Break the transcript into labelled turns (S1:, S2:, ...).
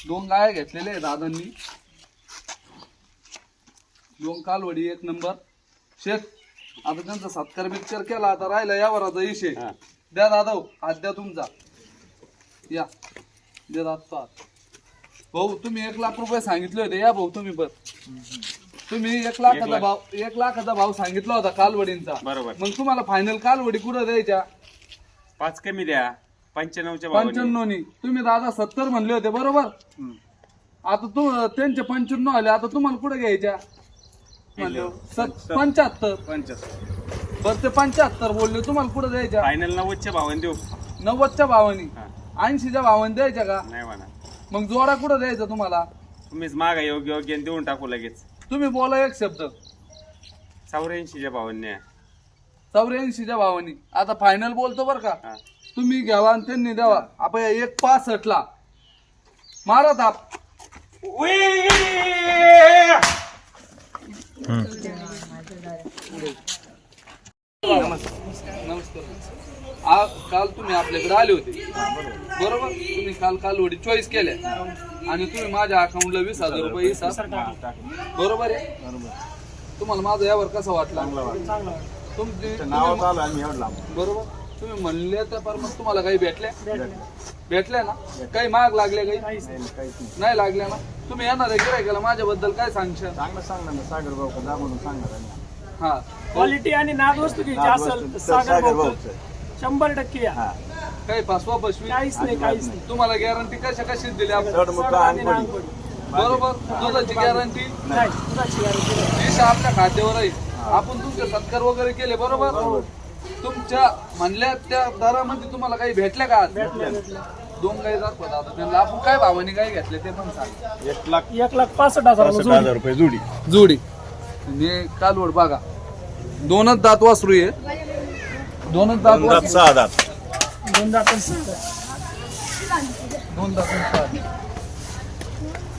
S1: 2 गाय घेतलेले आहे दादांनी, 2 कालवडी 1 नंबर. शेत आता त्यांचा सत्कार बित्कार केला, आता राहिला यावराचा विषय. द्या दादा हात द्या तुमचा, या द्या दादा. भाऊ तुम्ही 1 लाख रुपये सांगितले होते, या भाऊ तुम्ही पण. तुम्ही 1 लाखाचा भाव सांगितला होता कालवडींचा.
S2: बरोबर.
S1: मग तुम्हाला फायनल कालवडी कुठं द्यायच्या?
S2: 5 कमी द्या, 95च्या
S1: 95नी. तुम्ही दादा 70 म्हणले होते बरोबर. आता त्यांचे 95 आले, आता तुम्हाला कुठे घ्यायच्या? 75. बरं ते 75 बोलले, तुम्हाला कुठे द्यायच्या?
S2: फायनल 90च्या भावाने देऊ.
S1: 90च्या भावानी, 80च्या भावानी द्यायच्या का?
S2: नाही म्हणा,
S1: मग जोडा कुठं द्यायचा तुम्हाला?
S2: तुम्हीच मागा योग्य योग्य देऊन टाकू लगेच.
S1: तुम्ही बोला एक शब्द.
S2: 84च्या भावाने.
S1: 84च्या भावानी. आता फायनल बोलतो बरं का, तुम्ही घ्यावा आणि त्यांनी द्यावा. आपण 1.65 मारा थाप. नमस्कार. काल तुम्ही आपल्याकडे आले होते बरोबर. तुम्ही काल कालवडी चॉईस केल्या आणि तुम्ही माझ्या अकाउंटला 20,000 रुपये बरोबर आहे. तुम्हाला माझा यावर कसा वाटला? तुमची बरोबर. तुम्ही म्हणले तर पर मग तुम्हाला काही भेटल्या ना? काही महाग लागले? काही नाही लागल्या ना? तुम्ही येणार आहे गिऱ्हाईकाला माझ्याबद्दल काय सांगशाल?
S3: सांगणार ना सागर भाऊ का म्हणून सांगणार.
S1: हा,
S4: क्वालिटी आणि नाद वस्तू घ्यायची असेल सागर भाऊ 100% या.
S1: काही फसवा फसवी
S4: काहीच नाही.
S1: तुम्हाला गॅरंटी कशीच दिली आपण बरोबर. दुधाची गॅरंटी
S4: नाही, दुधाची guarantee नाही.
S1: विष आपल्या खात्यावर आहे. आपण तुमचे सत्कार वगैरे केले बरोबर. तुमच्या म्हणल्या त्या दरामध्ये तुम्हाला काही भेटल्या का? 2 गाई दाखवत आता त्यांना. आपण काय भावाने गाई घेतले ते पण सांग.
S4: 1,65,000
S3: रुपये जोडी.
S1: जोडी म्हणजे कालवड बघा. 2च दात वासरू आहे. 2च दात वासरू.
S3: 6 दात.
S4: 2 दातांचं.
S1: 2 दात.